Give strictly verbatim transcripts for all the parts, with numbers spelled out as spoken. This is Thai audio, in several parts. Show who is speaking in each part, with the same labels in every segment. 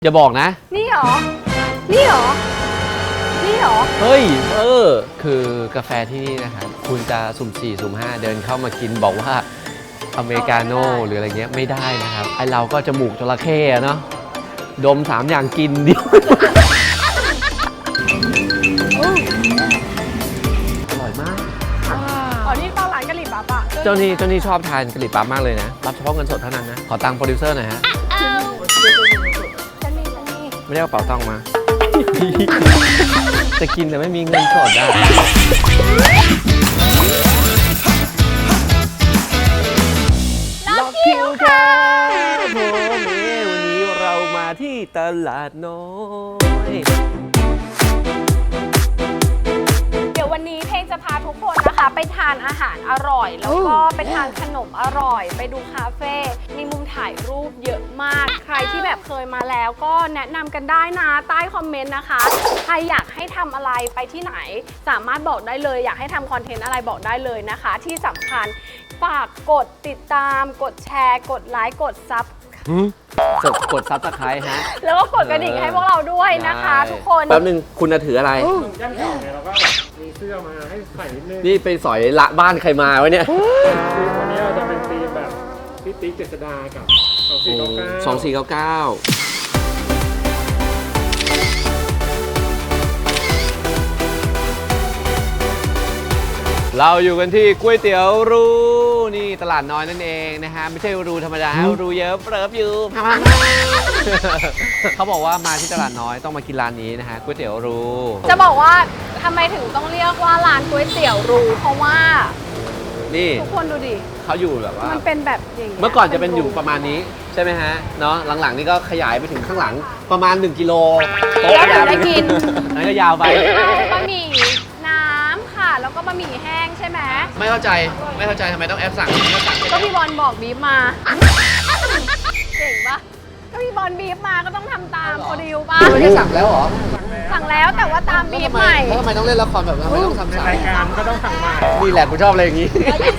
Speaker 1: อย่าบอกนะ
Speaker 2: นี่หรอนี่หรอนี่หรอ
Speaker 1: เฮ้ยเออคือกาแฟที่นี่นะครับคุณจะสุ่มสี่สุ่มห้าเดินเข้ามากินบอกว่าอเมริกาโน่หรืออะไรเงี้ยไม่ได้นะครับไอเราก็จมูกจระเข้เนาะดมสามอย่างกินเดียวอร่อยมาก
Speaker 2: อ๋อนี่ตอนร้านกะหรี่ปั๊บอะ
Speaker 1: เจ้านี่เจ้านี่ชอบทานกะหรี่ปั๊บมากเลยนะรับเฉพาะเงินสดเท่านั้นนะขอตังค์โปรดิวเซอร์หน่อยฮะไม่ได้เอาเป๋าตังค์มา จะกินแต่ไม่มีเงินสดได้
Speaker 2: ล็อกคิวค่ะ
Speaker 1: โมเมวันนี้เรามาที่ตลาดน้อย
Speaker 2: เดี๋ยววันนี้เพลงจะพาทุกคนนะคะไปทานอาหารอร่อยแล้วก็ไปทานขนมอร่อยไปดูคาเฟ่มีมุมถ่ายรูปเยอะมากใครที่แบบเคยมาแล้วก็แนะนำกันได้นะใต้คอมเมนต์นะคะใครอยากให้ทำอะไรไปที่ไหนสามารถบอกได้เลยอยากให้ทำคอนเทนต์อะไรบอกได้เลยนะคะที่สำคัญฝากกดติดตามกดแชร์กดไลค์กดซับ
Speaker 1: กดกดซับสไครต์ฮะ
Speaker 2: แล้วก็กดกระดิ่งให้พวกเราด้วยนะคะทุกคน
Speaker 1: แป๊บนึงคุณจะถืออะไร
Speaker 3: ย่านเก่าเนี่ยเราก็มีเสื้อมาให้ใส่นิดนึง
Speaker 1: นี่ไปสอยละบ้านใครมาวะเนี่ย
Speaker 3: วันนี้เราจะเป็นธีมแบบพี่ติ๊กเจษฎากับสองสี่เก้าเก้า
Speaker 1: สองสี่เก้าเก้าเราอยู่กันที่ก๋วยเตี๋ยวรูนี่ตลาดน้อยนั่นเองนะฮะไม่ใช่รูธรรมดารูเยอะเปิบอยู่เขาบอกว่ามาที่ตลาดน้อยต้องมากินร้านนี้นะฮะก๋วยเตี๋ยวรู
Speaker 2: จะบอกว่าทำไมถึงต้องเรียกว่าร้านก๋วยเตี๋ยวรูเพราะว่า
Speaker 1: นี่
Speaker 2: ทุกคนดูดิ
Speaker 1: เขาอยู่แบบว่า
Speaker 2: มันเป็นแบบอย่าง
Speaker 1: เมื่อก่อนจะเป็นอยู่ประมาณนี้ใช่ไหมฮะเนาะหลังๆนี่ก็ขยายไปถึงข้างหลังประมาณหนึ่งกิโล
Speaker 2: โต๊ะยาวได้กิน
Speaker 1: นั่นก็ยาวไป
Speaker 2: บะหมี่น้ำค่ะแล้วก็บะหมี่แห้งใช่ไหม
Speaker 1: ไม่เข้าใจไม่เข้าใจทำไมต้องแอปสั่ง
Speaker 2: ก็พี่บอลบอกบีบมาเก่งปะก็พี่บอลบีบมาก็ต้องทำตามโปรดิวป่ะ
Speaker 1: ไม่ได้สั่งแล้วเหรอ
Speaker 2: สั่งแล้วแต่ว่าตามบีบใหม่
Speaker 1: แล้วทำไมต้องเล่นละครแบบนั้นทำไมต้องทำ
Speaker 3: ในรายการก็ต้องสั่งใหม่
Speaker 1: นี่แหละกูชอบอะไรอย่างนี้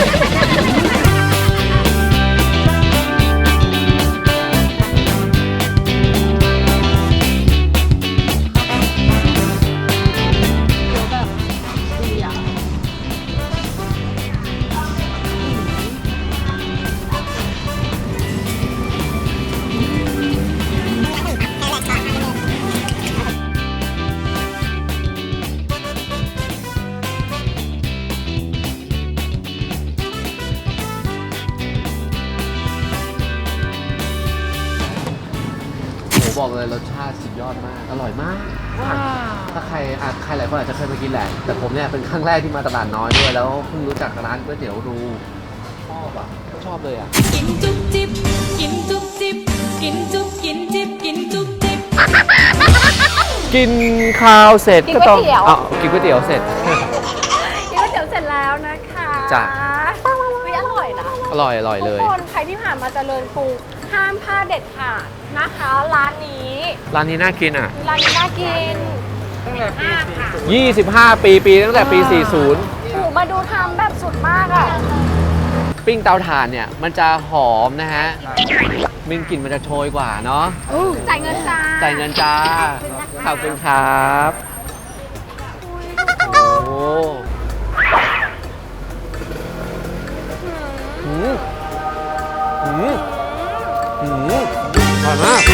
Speaker 1: บอกเลยรสชาติสุดยอดมากอร่อยมากถ้าใครอาจใครหลายคนอาจจะเคยมากินแหละแต่ผมเนี่ยเป็นครั้งแรกที่มาตลาดน้อยด้วยแล้วเพิ่งรู้จักร้านก๋วยเตี๋ยวรูชอบอ่ะชอบเลยอ่ะ
Speaker 4: กินจุ๊บจิ๊บกินจุ๊บจิ๊บกินจุ๊บกินจิ๊บกินจุ๊บจิ๊บ
Speaker 1: กินข้าวเสร็จ
Speaker 2: ก็ต้อง
Speaker 1: อ๋อกินก๋วยเตี๋ยวเสร็จ
Speaker 2: กินก๋วยเตี๋ยวเสร็จแล้วนะคะ
Speaker 1: จ้ะ
Speaker 2: อร่อยนะ
Speaker 1: อร่อยอร่อยเลย
Speaker 2: ทุกคนใครที่ผ่านมาเจริญกรุงห้ามพลาดเด็ดขาดนะคะร้านนี้
Speaker 1: ร้านนี้น่ากินอ่ะ
Speaker 2: ร้านนี้น่ากิน
Speaker 3: ตั้งแต่ปีสี่สิบ
Speaker 1: ยี่สิบห้าปีปีตั้งแต่ปีสี่สิบ
Speaker 2: ถูกมาดูทำแบบสุดมากอ่ะ
Speaker 1: ปิ้งเตาถ่านเนี่ยมันจะหอมนะฮะมินกลิ่นมันจะโชยกว่าเนาะ
Speaker 2: จ่ายเงินจ้า
Speaker 1: จ่ายเงินจ้าขอบคุณครับโอ้โหอืมอืมอืมอร่อยมาก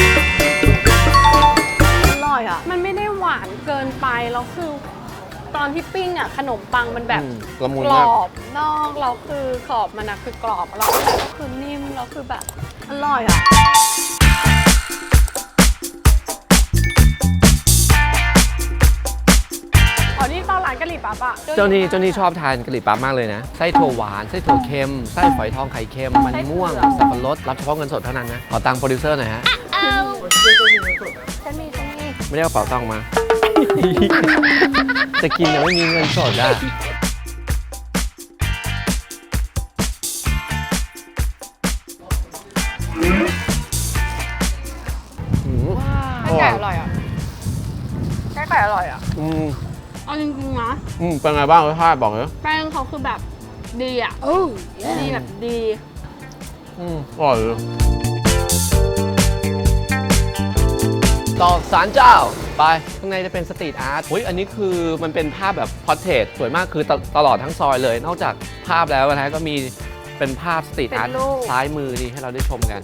Speaker 2: อร่อยอ่ะมันไม่ได้หวานเกินไปแล้วคือตอนที่ปิ้งอ่ะขนมปังมันแบบกรอบนอกเราคือขอบมันนะคือกรอบแล้วข้างในก็คือนิ่มแล้วคือแบบอร่อยอ่ะอ๋อนี่ตอนร้านกะหรี่ปั๊บอ่ะ
Speaker 1: เจ้านี่เจ้านี่ชอบทานกะหรี่ปั๊บมากเลยนะไส้ถั่วหวานไส้ถั่วเค็มไส้ฝอยทองไข่เค็มมันม่วงสับปะรดรับเฉพาะเงินสดเท่านั้นนะขอตังค์โปรดิวเซอร์หน่อยฮะ
Speaker 2: ฉันมีฉันมี
Speaker 1: ไม่ได้เอาเป๋าตังค์มาจะกินแต่ไม่มีเงินสดได้
Speaker 2: ไก่ไก่อร่อยอ่ะไก่ไก่อร่อยอ่ะ
Speaker 1: อืม
Speaker 2: เอาจริงๆนะ
Speaker 1: อืมเป็นไงบ้างรสชาติบอกเลย
Speaker 2: แป้งเขาคือแบบดีอ่ะดีแบบดี
Speaker 1: อืมอร่อยเลยต่อศาลเจ้าไปข้างในจะเป็นสตรีทอาร์ตอุ้ยอันนี้คือมันเป็นภาพแบบพอร์เทรตสวยมากคือตตลอดทั้งซอยเลย นอกจากภาพแล้วนะฮะก็มีเป็นภาพสตรีทอาร์ตซ้ายมือนี่ให้เราได้ชมกัน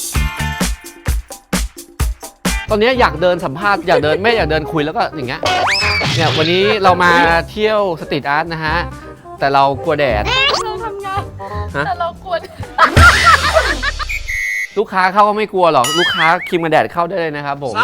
Speaker 1: ตอนนี้อยากเดินสัมภาษณ์อยากเดินไม่อยากเดินคุยแล้วก็อย่างเงี้ยเนี่ยวันนี้เรามาเที่ยวสตรีทอาร์ตนะฮะแต่เรากลัวแดด
Speaker 2: เราทำงานแต่เรากลัว
Speaker 1: ลูกค้าเข้าก็ไม่กลัวหรอกลูกค้าครีมกันแดดเข้าได้เลยนะครับผม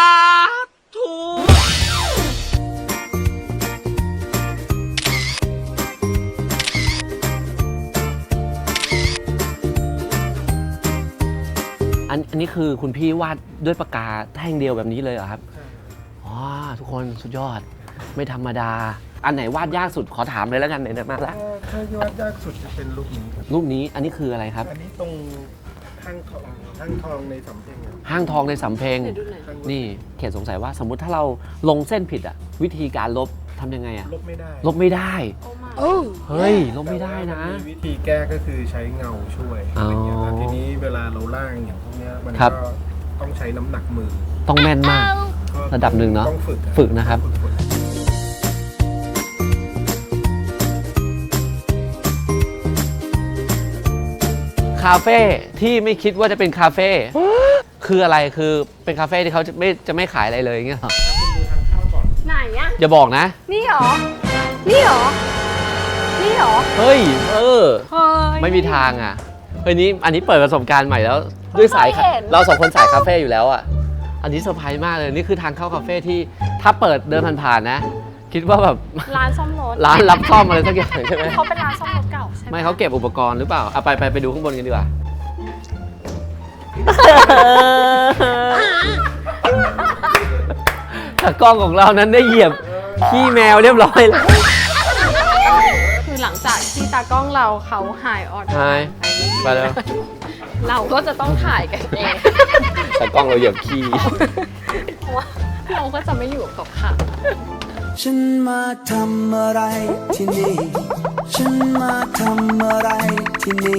Speaker 1: อันอันนี้คือคุณพี่วาดด้วยปากกาแท่งเดียวแบบนี้เลยเหรอครับอ๋อทุกคนสุดยอดไม่ธรรมดาอันไหนวาดยากสุดขอถามเลยแล้วกันไหนๆมาละ
Speaker 3: ถ้าวาดยากสุดจะเป็นรูปนี้ครับ
Speaker 1: รูปนี้อันนี้คืออะไรครับ
Speaker 3: อันนี้ตรงห้างทองห้างทองในสำเพ็งครับ
Speaker 1: ห้างทองในสำเพ็ง
Speaker 2: ไหนดูหน่อย
Speaker 1: นี่เขตสงสัยว่าสมมุติถ้าเราลงเส้นผิดอะวิธีการลบทำยังไงอะ
Speaker 3: ลบไม่ได้
Speaker 1: ลบไม่ได้
Speaker 2: โอ้
Speaker 1: เฮ้ยลบไม่ได้นะ
Speaker 3: แต่ว่ามัมีวิธีแก้ก็คือใช้เงาช่วย
Speaker 1: อ๋ออ
Speaker 3: อะไรเงี้ยครับทีนี้เวลาเราล่างอย่างพวกเนี้ยมัน
Speaker 1: ครับ
Speaker 3: ก็ต้องใช้น้ำหนักมือ
Speaker 1: ต้องแม่นมาก
Speaker 3: ก็
Speaker 1: ระดับหนึ่งเนอะ
Speaker 3: ต้องฝึก
Speaker 1: ฝึกนะครับ
Speaker 3: ฝึฝึก
Speaker 1: คาเฟ่ที่ไม่คิดว่าจะเป็นคาเฟ่คืออะไรคือเป็นคาเฟ่ที่เขาจะไม่จะไม่ขายอะไรเลยอย่างเงี้ยเหรอ
Speaker 2: ไหนอะ
Speaker 1: อย่าบอกนะ
Speaker 2: นี่หรอ นี่หรอ นี่หรอ
Speaker 1: เฮ้ยเออ
Speaker 2: เฮ้ย
Speaker 1: ไม่มีทางอ่ะเฮ้ยนี้อันนี้เปิดประสบการณ์ใหม่แล้วด้วยสาย
Speaker 2: ไม่เคยเห็น
Speaker 1: เราสองคนสายคาเฟ่อยู่แล้วอ่ะอันนี้เซอร์ไพรส์มากเลยนี่คือทางเข้าคาเฟ่ที่ถ้าเปิดเดินผ่านๆนะ คิดว่าแบบ
Speaker 2: ร้านซ่อมรถ
Speaker 1: ร้านรับซ่อมอะไรสักอย่างใช่ไหม
Speaker 2: เขาเป็นร้านซ่อมรถเก่าใช่ไหม
Speaker 1: ไม่เขาเก็บอุปกรณ์หรือเปล่าเอาไปไปไปดูข้างบนกันดีกว่า แต่กล้องของเรานั้นได้เหยียบขี้แมวเรียบร้อยแล้ว
Speaker 2: คือหลังจากที่ตากล้องเราเขาหายออด
Speaker 1: หาย ไปแล้ว
Speaker 2: เราก็จะต้องถ่ายกันเอง
Speaker 1: แต่กล้องเราเหยียบขี้
Speaker 2: เพราะว่าเราก็จะไม่อยู่กับค่ะ
Speaker 5: ฉันมาทำอะไรที่นี่ ฉันมาทำอะไรที่นี่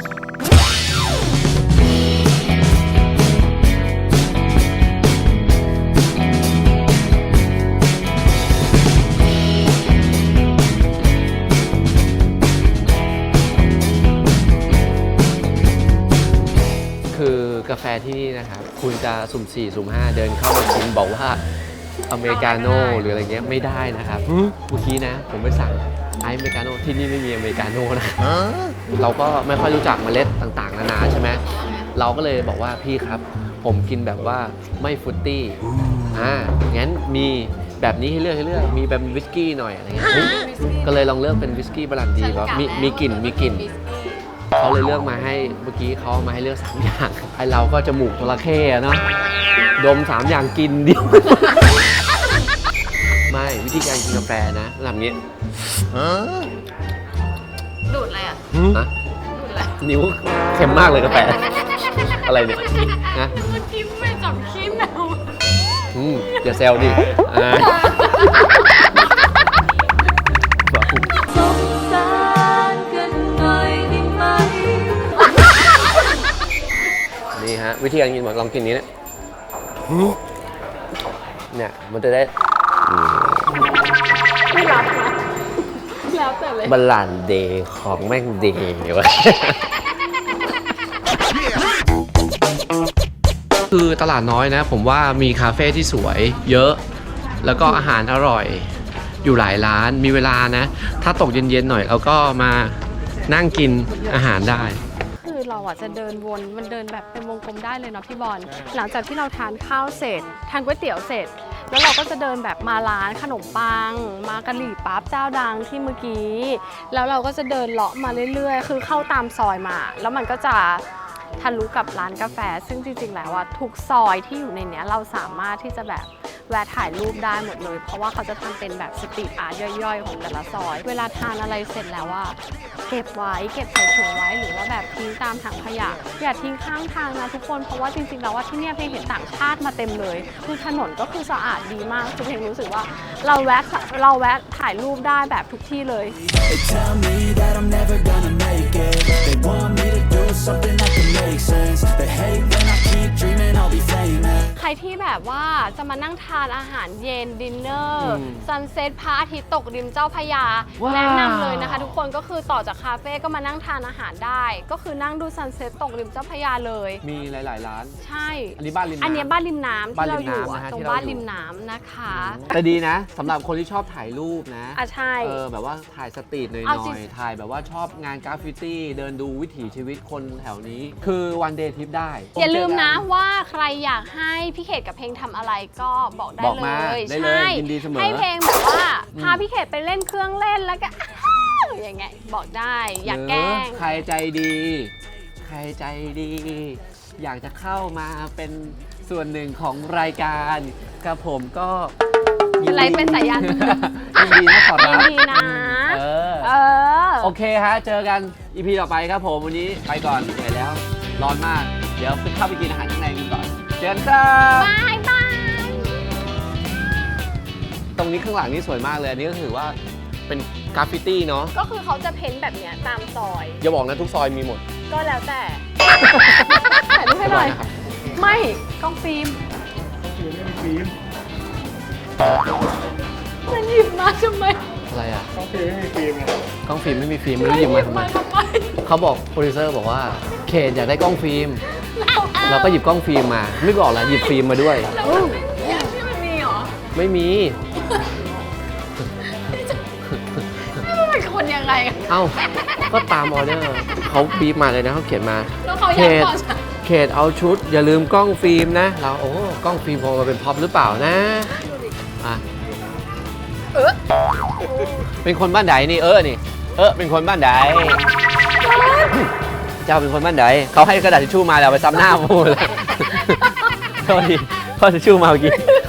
Speaker 1: คือกาแฟที่นี่นะครับคุณจะสุ่มสี่สุ่มห้าเดินเข้ามากินบอกว่าอเมริกาโน่หรืออะไรเงี้ยไม่ได้นะครับเมื่อกี้นะผมไปสั่งไอซ์อเมริกาโน่ที่นี่ไม่มีอเมริกาโน่นะเราก็ไม่ค่อยรู้จักเมล็ดต่างๆนานาใช่ไหมเราก็เลยบอกว่าพี่ครับผมกินแบบว่าไม่ฟรุตตี้อ่างั้นมีแบบนี้ให้เลือกให้เลือกมีแบบวิสกี้หน่อยอะไรเงี้ยเฮ้ยก็เลยลองเลือกเป็นวิสกี้บรันดีว่ามีมีกลิ่นมีกลิ่นเขาเลยเลือกมาให้เมื่อกี้เขามาให้เลือกสามอย่างไอเราก็จมูกจระเข้อะเนาะดมสามอย่างกินเดียว ไม่วิธีการกินกาแฟนะทำอย่างนี้
Speaker 2: ดูดอะไรอ่ะ
Speaker 1: นะ
Speaker 2: ดูดอะไร
Speaker 1: นิ้วเค็มมากเลยกาแฟ อะไรเนี่ยนะ
Speaker 2: เมื่อกี้ไม่จับขี้แมว
Speaker 1: อืมอย่าแซวดิอ่า
Speaker 4: สงสารกันหน่อยได้ไหม
Speaker 1: นี่ฮะวิธีการกินบอกลองกินนี้เนี่ยเนี่ยมันจะได้
Speaker 2: ไม่รับนะแล้วแต่เลย
Speaker 1: บาลานซ์เดย์ของแม่งเดย์วะ คือตลาดน้อยนะ ผมว่ามีคาเฟ่ที่สวยเยอะ แล้วก็อาหารอร่อย อยู่หลายร้านมีเวลานะ ถ้าตกเย็นๆหน่อยเราก็มานั่งกินอาหารได้
Speaker 2: คือเราอ่ะจะเดินวนมันเดินแบบเป็นวงกลมได้เลยเนาะพี่บอลหลังจากที่เราทานข้าวเสร็จทานก๋วยเตี๋ยวเสร็จ แล้วเราก็จะเดินแบบมาร้านขนมปัง มากะหรี่ปั๊บเจ้าดังที่เมื่อกี้ แล้วเราก็จะเดินเลาะมาเรื่อยๆ คือเข้าตามซอยมา แล้วมันก็จะทะลุกับร้านกาแฟ ซึ่งจริงๆแล้วว่าทุกซอยที่อยู่ในเนี้ยเราสามารถที่จะแบบแวะถ่ายรูปได้หมดเลย เพราะว่าเขาจะทำเป็นแบบสตรีทอาร์ตย่อยๆ ของแต่ละซอย เวลาทานอะไรเสร็จแล้วว่าเก็บไว้เก็บใส่ถุงไว้หรือว่าแบบทิ้งตามถังขยะอย่าทิ้งข้างทางนะทุกคนเพราะว่าจริงๆแล้วว่าที่เนี่ยเพลงเห็นต่างชาติมาเต็มเลยคือถนนก็คือสะอาดดีมากคือเพลงรู้สึกว่าเราแวะเราแวะถ่ายรูปได้แบบทุกที่เลย
Speaker 5: They tell me that I'm never gonna make it. They want me to do something that can make sense. They hate when I keep dreaming I'll be famous.
Speaker 2: ใครที่แบบว่าจะมานั่งทานอาหารเย็นดินเนอร์
Speaker 1: อืม
Speaker 2: ซันเซ็ตพระอาทิตย์ตกริมเจ้าพระยา
Speaker 1: ว้าว
Speaker 2: แนะนำเลยนะคะทุกคนก็คือต่อจากคาเฟ่ก็มานั่งทานอาหารได้ ก็คือนั่งดูซันเซ็ตตกริมเจ้าพระยาเลย
Speaker 1: มีหลาย ๆ ร้าน
Speaker 2: ใช่
Speaker 1: อันนี้บ้านริมน้ำ
Speaker 2: อันเนี้ยบ้านริมน้ำ
Speaker 1: บ้าน
Speaker 2: ที่
Speaker 1: ริ
Speaker 2: เรา
Speaker 1: ม
Speaker 2: อยู่
Speaker 1: น้ำนะ
Speaker 2: อะ
Speaker 1: ฮะ
Speaker 2: ตรง
Speaker 1: ที่เรา
Speaker 2: บ้าน
Speaker 1: อยู่
Speaker 2: ริมน้ำนะคะ
Speaker 1: แต่ดีนะสำหรับคนที่ชอบถ่ายรูปนะ
Speaker 2: อ่ะใช่
Speaker 1: เออแบบว่าถ่ายสตรีทหน่
Speaker 2: เอาจริ
Speaker 1: อง ยๆถ่ายแบบว่าชอบงานกราฟฟิตี้เดินดูวิถีชีวิตคนแถวนี้ คือวันเดย์ทริปได้
Speaker 2: อย่าลืมนะ
Speaker 1: เจอกั
Speaker 2: ว่าใครอยากให้พี่เขตกับเพลงทำอะไรก็บอกได้
Speaker 1: บอก
Speaker 2: เล
Speaker 1: มาย ได้เลย
Speaker 2: ใช่
Speaker 1: ยินดีเสมอ
Speaker 2: ให้เพลงแบบว่า
Speaker 1: อืม
Speaker 2: พาพี่เขตไปเล่นเครื่องเล่นแล้วก็ อ้าวอย่างเงี้ยบอกได้อยากแกล้ง
Speaker 1: หรือใครใจดี ใครใจดี อยากจะเข้ามาเป็นส่วนหนึ่งของรายการกับผมก็ยิ
Speaker 2: อะไรเป็นสายยัน
Speaker 1: ยินดีนะขอรับ
Speaker 2: ยินดีนะ
Speaker 1: เออ
Speaker 2: เออ
Speaker 1: โอเคฮะ เจอกัน อี พี ต่อไปครับผม วันนี้ไปก่อนเหนื่อยแล้ว ร้อนมาก เดี๋ยวเข้าไปกินอาหารข้างในกันก่อน เจอกันครับ
Speaker 2: บายบาย
Speaker 1: ตรงนี้ข้างหลังนี่สวยมากเลย อันนี้ก็ถือว่าเป็นกราฟฟิตี้เนาะ
Speaker 2: ก็คือเขาจะเพ้นท์แบบเนี้ยตามซอย
Speaker 1: อย่าบอกนะทุกซอยมีหมด
Speaker 2: ก็แล้วแต่ ถ่ายรูปให้หน่อย ไม่กล้องฟิล์ม
Speaker 3: คือไม่มีฟิล์ม
Speaker 2: มันหยิบมาทำไม
Speaker 1: อะไรอ่ะ
Speaker 3: ต้องฟิล์มไม่มีฟิล์มไง
Speaker 1: กล้องฟิล์มไม่มีฟิล์มไม่รู้หยิบมาทำไม
Speaker 2: ทำไม
Speaker 1: เขาบอกโปรดิวเซอร์บอกว่าเคนอยากได้กล้องฟิล์ม เราก็หยิบกล้องฟิล์มมา ไม่บอกละหยิบฟิล์มมาด้วย
Speaker 2: ที่มันมีเหรอ
Speaker 1: ไม่มี
Speaker 2: เป็นคนยังไงอะ
Speaker 1: เอ้า ก็ตามออเดอร์เขาบีบมาเลยนะเขาเขียนมา
Speaker 2: แล้วเขาอ
Speaker 1: เข
Speaker 2: ยาก
Speaker 1: ต
Speaker 2: ต่อฉัน
Speaker 1: เขตเอาชุด อย่าลืมกล้องฟิล์มนะ เราโอ้กล้องฟิล์มคงมาเป็นพ็อปหรือเปล่านะอ่ะ
Speaker 2: เออ
Speaker 1: เป็นคนบ้านใดนี่เออนี่ เออเป็นคนบ้านใดเจ้าเป็นคนบ้านใดเขาให้กระดาษทิชชู่มาแล้วเอาไปซ้ำหน้าพูดเลยโทษทีเขาทิชชู่มาเมื่อกี้